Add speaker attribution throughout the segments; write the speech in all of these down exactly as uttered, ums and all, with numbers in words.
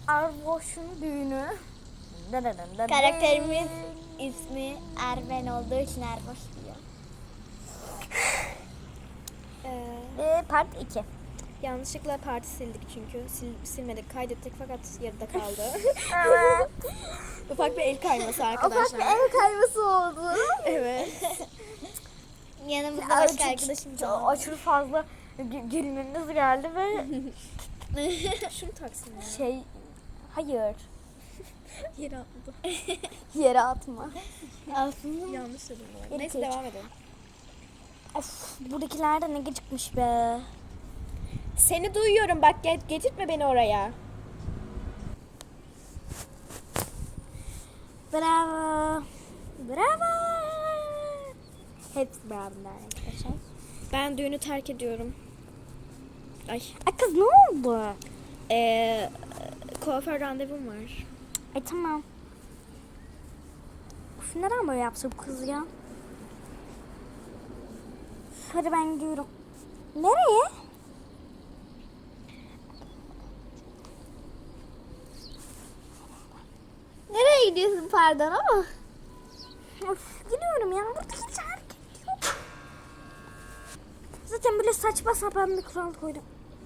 Speaker 1: Erboş'un düğünü.
Speaker 2: Karakterimiz ismi Erben olduğu için Erboş diyor.
Speaker 3: Ee,
Speaker 1: Ee, part iki.
Speaker 3: yanlışlıkla parti sildik çünkü. Sil, silmedik, kaydettik fakat yarıda kaldı.
Speaker 1: Evet.
Speaker 3: Ufak bir el kayması
Speaker 1: Ufak
Speaker 3: arkadaşlar.
Speaker 1: bir el kayması oldu.
Speaker 3: Evet.
Speaker 2: Yanımızda
Speaker 1: Ya,
Speaker 2: başka
Speaker 1: çok-
Speaker 2: arkadaşım
Speaker 1: çok
Speaker 2: da.
Speaker 1: aşırı fazla gü- gülmeniz geldi ve
Speaker 3: Şunu taksın ya.
Speaker 1: şey hayır
Speaker 3: Yere atladı.
Speaker 1: yere atma.
Speaker 2: Aslında
Speaker 3: Yanlış dedim bu arada.
Speaker 1: Yeri
Speaker 3: Neyse
Speaker 1: geç.
Speaker 3: devam edelim.
Speaker 1: Of, buradakiler de ne gıcıkmış be.
Speaker 3: Seni duyuyorum bak, get, getirtme beni oraya.
Speaker 1: Bravo. Bravo. Hepsi bravo arkadaşlar.
Speaker 3: Ben düğünü terk ediyorum. Ay.
Speaker 1: Ay kız ne oldu?
Speaker 3: Ee, kuaför randevum var.
Speaker 1: E tamam. Uf, neden böyle yaptı bu kız ya? Hadi ben gidiyorum. Nereye?
Speaker 2: nereye gidiyorsun pardon ama?
Speaker 1: Of, gidiyorum ya. Burada hiç hareket yok. Zaten böyle saçma sapan bir kural koydum.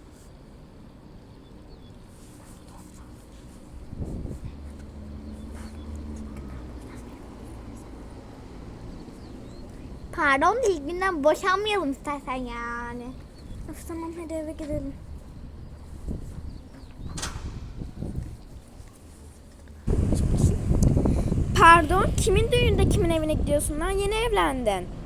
Speaker 2: Pardon ilk günden boşanmayalım istersen yani.
Speaker 1: Of tamam hadi eve gidelim.
Speaker 3: Pardon, kimin düğünde kimin evine gidiyorsun lan? Yeni evlendin.